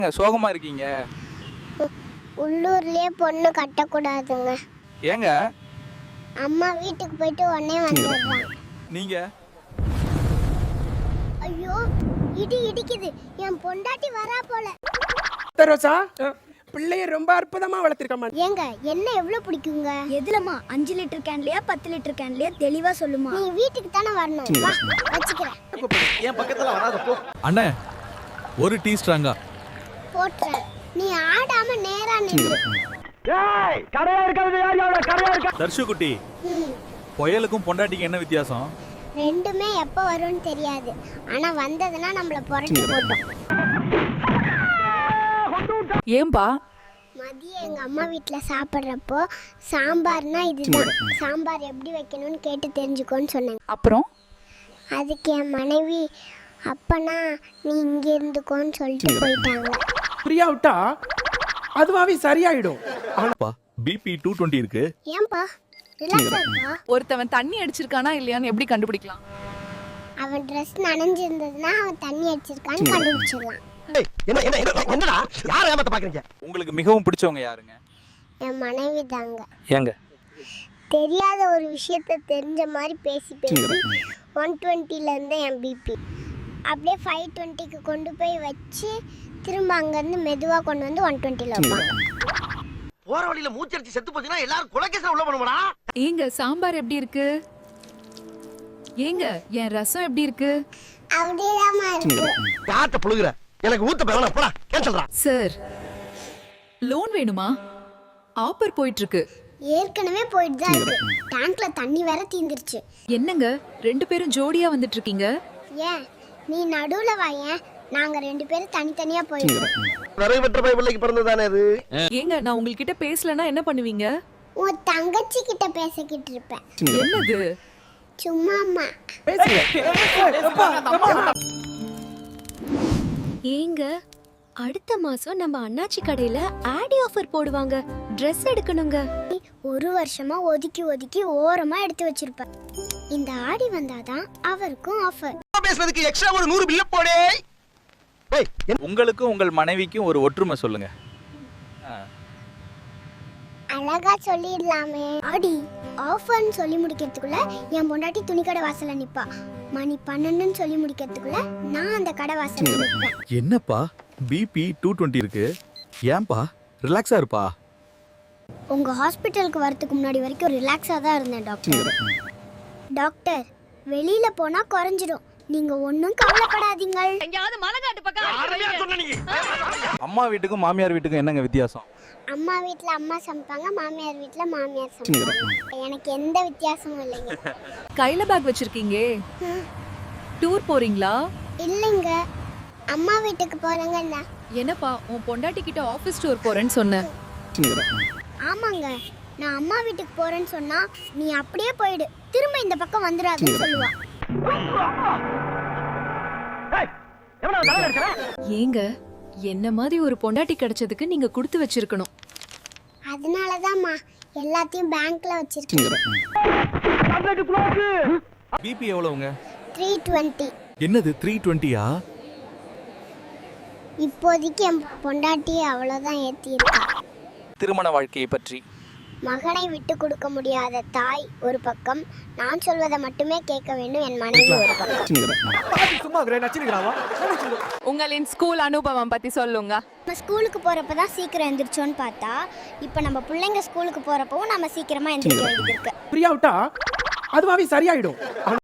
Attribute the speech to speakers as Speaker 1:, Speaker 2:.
Speaker 1: சோகமா இருக்கீங்க?
Speaker 2: உள்ளூர்லயே பொண்ணு கட்டக்கூடாதுங்க.
Speaker 1: ஏங்க?
Speaker 2: அம்மா வீட்டுக்கு போயிட்டு உடனே வந்துடுறான்.
Speaker 1: நீங்க?
Speaker 2: ஐயோ இடி இடிக்குது, என் பொண்டாட்டி வரா போல.
Speaker 3: ரோசா பிள்ளைய ரொம்ப அற்புதமா வளர்த்திருக்கமா.
Speaker 2: ஏங்க என்ன எவ்வளவு பிடிக்குங்க?
Speaker 4: எதுலமா 5 லிட்டர் கேன்லயா 10 லிட்டர் கேன்லயா தெளிவா சொல்லுமா.
Speaker 2: நீ வீட்டுக்கு தானே வரணும், வா வச்சுக்கிறேன்.
Speaker 5: என் பக்கத்துல வராத போ.
Speaker 1: அண்ணே ஒரு டீ ஸ்ட்ராங்கா
Speaker 2: போட்டுறேன், நீ ஆடாம நேரா நில்லு.
Speaker 5: ஏய் கரையா இருக்காது, யார் யார் கரையா இருக்கா?
Speaker 1: தர்ஷு குட்டி, புயலுக்கும் பொண்டாட்டிக்கு என்ன வித்தியாசம்?
Speaker 2: ரெண்டுமே எப்ப வரும்னு தெரியாது, ஆனா வந்ததுன்னா நம்மள புரட்டி போட்டோம்.
Speaker 6: ஏன்பா?
Speaker 2: மதியம் எங்க அம்மா வீட்டுல சாப்பிட்றப்போ சாம்பார்னா இதுதான், சாம்பார் எப்படி வைக்கணும்னு கேட்டு தெரிஞ்சுக்கோன்னு சொன்னாங்க.
Speaker 6: அப்புறம்
Speaker 2: அதுக்கு என் மனைவி அப்பனா நீ இங்க இருந்துக்கோன்னு சொல்லிட்டு போயிட்டாங்க.
Speaker 3: ஃப்ரீயா விட்டா அதுவாவே சரியாயிடும்.
Speaker 1: பிபி 220 இருக்கு.
Speaker 2: ஏன்பா ரிலாக்ஸா இருக்கா?
Speaker 6: ஒருத்தவன் தண்ணி அடிச்சிருக்கானா இல்லையான்னு எப்படி கண்டுபிடிக்கலாம்?
Speaker 2: அவன் ட்ரெஸ் நனைஞ்சிருந்ததுன்னா அவன் தண்ணி அடிச்சிருக்கான்னு கண்டுபிடிச்சிடலாம்.
Speaker 5: என்ன என்ன என்னடா யார ஏமாத்த பாக்குறீங்க?
Speaker 1: உங்களுக்கு மிகவும் பிடிச்சவங்க யாருங்க?
Speaker 2: என் மனைவி தாங்க.
Speaker 1: ஏங்க?
Speaker 2: தெரியாத ஒரு விஷயத்த தெரிஞ்ச மாதிரி பேசி பேசி 120ல இருந்து என் பிபி அப்படியே 520க்கு கொண்டு போய் வச்சு திரும்ப அங்கேருந்து மெதுவாக கொண்டு வந்து 120ல வைப்பாங்க.
Speaker 5: போற வழியில மூச்சரிச்சு செத்து போச்சுன்னா எல்லாரும் கொலைகேஸ்ல உள்ள பண்ணுவாடா.
Speaker 6: ஏங்க சாம்பார் எப்படி இருக்கு? ஏங்க என் ரசம் எப்படி இருக்கு?
Speaker 2: அப்படியேதாம்மா இருக்கு.
Speaker 5: காட்ட புழுகுற எனக்கு ஊத்த வேணாம், போடா கேன்சல்டா.
Speaker 6: சார் லோன் வேணுமா? ஆஃபர் போயிட்டு இருக்கு.
Speaker 2: ஏற்கனவே போயிட்டு தான் இருக்கு, டேங்க்ல தண்ணி வேற தீந்துருச்சு.
Speaker 6: என்னங்க 2 பேரும் ஜோடியா வந்துட்டு இருக்கீங்க?
Speaker 2: ஏன் நீ நடுவுல வாயேன், நாங்க 2 பேரும் தனித்தனியா போயிடுறோம்.
Speaker 5: நிறைய வெற்ற பை பிள்ளைக்கு பிறந்ததானே இது.
Speaker 6: ஏங்க நான் உங்ககிட்ட பேசலனா என்ன பண்ணுவீங்க?
Speaker 2: உன் தங்கச்சி கிட்ட பேசிக்கிட்டு இருப்பேன்.
Speaker 6: என்னது?
Speaker 2: சும்மாம்மா.
Speaker 4: ஏங்க அடுத்த மாசம் நம்ம அண்ணாச்சி கடையில ஆடி ஆஃபர் போடுவாங்க, Dress எடுக்கணுங்க.
Speaker 2: ஒரு வருஷமா ஒதுக்கி ஒதுக்கி ஓரமா எடுத்து வச்சிருப்பேன். இந்த ஆடி வந்தாதான் அவருக்கும் ஆஃபர்.
Speaker 5: பேசுறதுக்கு எக்ஸ்ட்ரா ஒரு 100 பில்ல போடே. ஏய்
Speaker 1: உங்களுக்கும் உங்கள் மனைவிக்கும் ஒரு ஒற்றுமை சொல்லுங்க.
Speaker 2: அழகா சொல்லிடலாமே. ஆடி ஆஃபர்னு சொல்லி முடிக்கிறதுக்குள்ள என் பொண்டாட்டி துணிக்கடை வாசல்ல நிப்பா. மணி 12ன்னு சொல்லி முடிக்கிறதுக்குள்ள நான் அந்த கடை வாசல்ல நிப்பேன்.
Speaker 1: என்னப்பா பிபி 220 இருக்கு? ஏன்பா ரிலாக்ஸா இருப்பா?
Speaker 2: உங்க ஹாஸ்பிட்டலுக்கு வரதுக்கு முன்னாடி வரைக்கும் ரிலாக்ஸா தான் இருந்தேன் டாக்டர். டாக்டர் வெளியில போனா குறைஞ்சிடும், நீங்க ஒன்னும் கவலைப்படாதீங்க.
Speaker 1: அம்மா வீட்டுக்கும் மாமியார் வீட்டுக்கும் என்னங்க வித்தியாசம்?
Speaker 2: அம்மா வீட்ல அம்மா சமைப்பாங்க, மாமியார் வீட்ல மாமியார் சமைப்பாங்க. எனக்கு எந்த வித்தியாசமும் இல்லைங்க.
Speaker 6: கையில பேக் வச்சிருக்கீங்க, டூர் போறீங்களா?
Speaker 2: இல்லைங்க, அம்மா வீட்டுக்கு போறேங்க.
Speaker 6: என்னப்பா உன் பொண்டாட்டி கிட்ட ஆபீஸ் டூர் போறேன்னு சொன்ன?
Speaker 2: ஆமாங்க, நான் அம்மா வீட்டுக்கு போறேன்னு சொன்னா நீ அப்படியே போயிடு, திரும்ப இந்த பக்கம் வந்துடாதுன்னு சொல்லுவா.
Speaker 5: எவனா தலை அடிச்சற?
Speaker 6: ஏங்க என்ன மாதிரி ஒரு பொண்டாட்டி கிடைச்சதுக்கு நீங்க கொடுத்து வச்சிருக்கணும்.
Speaker 2: அதனாலதான்மா எல்லாத்தையும் பேங்க்ல வச்சிருக்கேன்.
Speaker 1: பிபி எவ்வளவுங்க?
Speaker 2: 320.
Speaker 1: என்னது 320யா?
Speaker 2: இப்போதைக்கு என் பொண்டாட்டி அவ்வளோதான் ஏற்றி இருக்கா.
Speaker 1: திருமண வாழ்க்கையை பற்றி?
Speaker 2: மகனை விட்டு கொடுக்க முடியாத தாய் ஒரு பக்கம், நான் சொல்வதை மட்டுமே கேட்க வேண்டும் என் மனைவி ஒரு பக்கம்.
Speaker 5: சும்மா நச்சிருக்காவா?
Speaker 6: உங்களின் ஸ்கூல் அனுபவம் பத்தி சொல்லுங்க.
Speaker 2: நம்ம ஸ்கூலுக்கு போறப்ப தான் சீக்கிரம் எந்திரிச்சோன்னு பார்த்தா, இப்போ நம்ம பிள்ளைங்க ஸ்கூலுக்கு போறப்பவும் நம்ம சீக்கிரமா எந்திரிக்க வேண்டியது இருக்கு.
Speaker 3: ஃப்ரீயா விட்டா அதுவாவே சரியாயிடும்.